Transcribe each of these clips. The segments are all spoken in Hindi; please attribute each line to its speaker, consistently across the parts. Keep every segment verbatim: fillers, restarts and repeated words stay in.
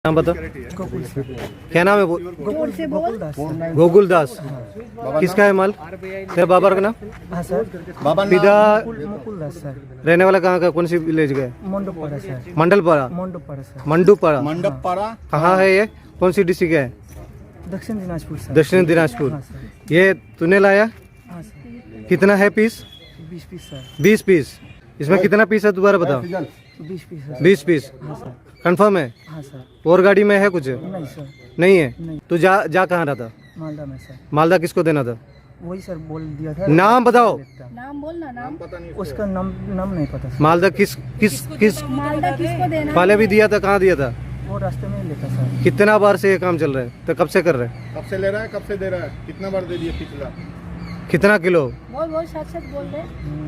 Speaker 1: नाम बता।
Speaker 2: गोकुल से।
Speaker 1: क्या नाम है?
Speaker 2: गोकुल से गोकुल दास सर।
Speaker 1: गोकुल दास। किसका है माल? तेरे बाबा का नाम?
Speaker 2: हाँ सर।
Speaker 1: पिता
Speaker 2: गोकुल मुकुल दास सर।
Speaker 1: रहने वाला कहाँ का? कौन सी विलेज का है?
Speaker 2: मंडोपाड़ा सर।
Speaker 1: मंडलपाड़ा।
Speaker 2: मंडोपाड़ा सर।
Speaker 1: मंडूपाड़ा।
Speaker 3: मंडपपाड़ा
Speaker 1: कहाँ है ये? कौन सी डिस्ट्रिक्ट है?
Speaker 2: दक्षिण दिनाजपुर सर।
Speaker 1: दक्षिण दिनाजपुर।
Speaker 2: हाँ सर।
Speaker 1: ये तूने लाया?
Speaker 2: हाँ सर।
Speaker 1: कितना है पीस?
Speaker 2: बीस पीस सर।
Speaker 1: बीस पीस। इसमें कितना पीस है दोबारा बताओ।
Speaker 2: बीस पीस सर।
Speaker 1: बीस पीस।
Speaker 2: हाँ सर।
Speaker 1: कंफर्म है?
Speaker 2: हाँ सर।
Speaker 1: और गाड़ी में है कुछ?
Speaker 2: नहीं सर।
Speaker 1: नहीं है।
Speaker 2: नहीं।
Speaker 1: तू जा जा कहाँ रहा था?
Speaker 2: मालदा में सर।
Speaker 1: मालदा किसको देना था?
Speaker 2: वही सर बोल दिया था।
Speaker 1: नाम बताओ।
Speaker 4: नाम बोलना। नाम
Speaker 2: उसका नाम नाम नहीं पता सर।
Speaker 1: मालदा किस किस किस
Speaker 4: मालदा किसको देना?
Speaker 1: पहले भी दिया था? कहाँ दिया था?
Speaker 2: वो रास्ते में ही लेता सर।
Speaker 1: कितना बार से ये काम चल रहा है? तो कब से कर रहे हैं?
Speaker 3: कब से ले रहा है, कब से दे रहा है, कितना बार दे दिया पिछला?
Speaker 1: कितना किलो?
Speaker 4: बोल बोल सच सच बोल रहे।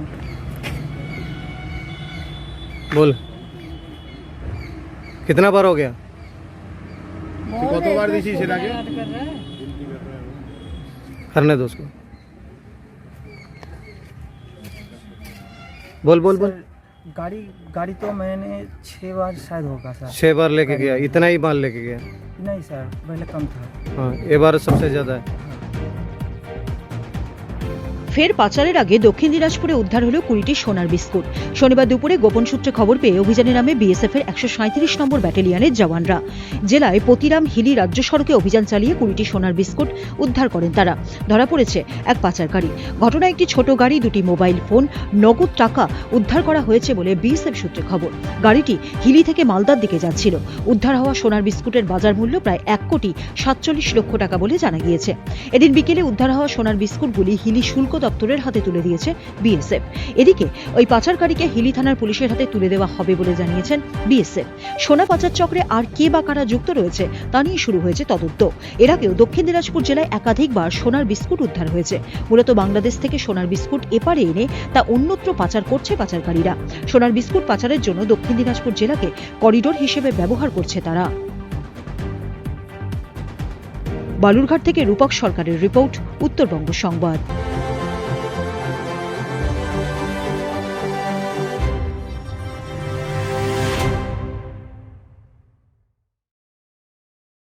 Speaker 1: बोल कितना बार हो गया?
Speaker 3: কত বার দিছিস এর আগে?
Speaker 1: करने दो उसको। बोल बोल बोल।
Speaker 2: सर, गाड़ी गाड़ी तो मैंने छः बार शायद होगा सर।
Speaker 1: छह बार लेके गया? इतना ही माल लेके गया?
Speaker 2: नहीं सर, पहले कम था।
Speaker 1: हाँ, ये बार सबसे ज्यादा है।
Speaker 5: ফের পাচারের আগে দক্ষিণ দিনাজপুরে উদ্ধার হলো কুড়িটি সোনার বিস্কুট। শনিবার দুপুরে গোপন সূত্রে খবর পেয়ে অভিযানে নামে বিএসএফ এর একশো সাঁইত্রিশ নম্বর ব্যাটালিয়নের জওয়ানরা। জেলায় পতিরাম হিলি রাজ্য সড়কে অভিযান চালিয়ে কুড়িটি সোনার বিস্কুট উদ্ধার করেন তারা। ধরা পড়েছে এক পাচারকারী। ঘটনায় একটি ছোট গাড়ি, দুটি মোবাইল ফোন, নগদ টাকা উদ্ধার করা হয়েছে বলে বিএসএফ সূত্রে খবর। গাড়িটি হিলি থেকে মালদার দিকে যাচ্ছিল। উদ্ধার হওয়া সোনার বিস্কুটের বাজার মূল্য প্রায় এক কোটি সাতচল্লিশ লক্ষ টাকা বলে জানা গিয়েছে। এদিন বিকেলে উদ্ধার হওয়া সোনার বিস্কুটগুলি হিলি শুল্ক দপ্তরের হাতে তুলে দিয়েছে বিএসএফ। এদিকে ওই পাচারকারীকে হিলি থানার পুলিশের হাতে তুলে দেওয়া হবে বলে জানিয়েছেন বিএসএফ। সোনা পাচার চক্রে আর কে বা কারা যুক্ত রয়েছে তা নিয়ে শুরু হয়েছে তদন্ত। এর আগেও দক্ষিণ দিনাজপুর জেলায় একাধিকবার সোনার বিস্কুট উদ্ধার হয়েছে। মূলত বাংলাদেশ থেকে সোনার বিস্কুট এপারে এনে তা অন্যত্র পাচার করছে পাচারকারীরা। সোনার বিস্কুট পাচারের জন্য দক্ষিণ দিনাজপুর জেলাকে করিডোর হিসেবে ব্যবহার করছে তারা। বালুরঘাট থেকে রূপক সরকারের রিপোর্ট, উত্তরবঙ্গ সংবাদ।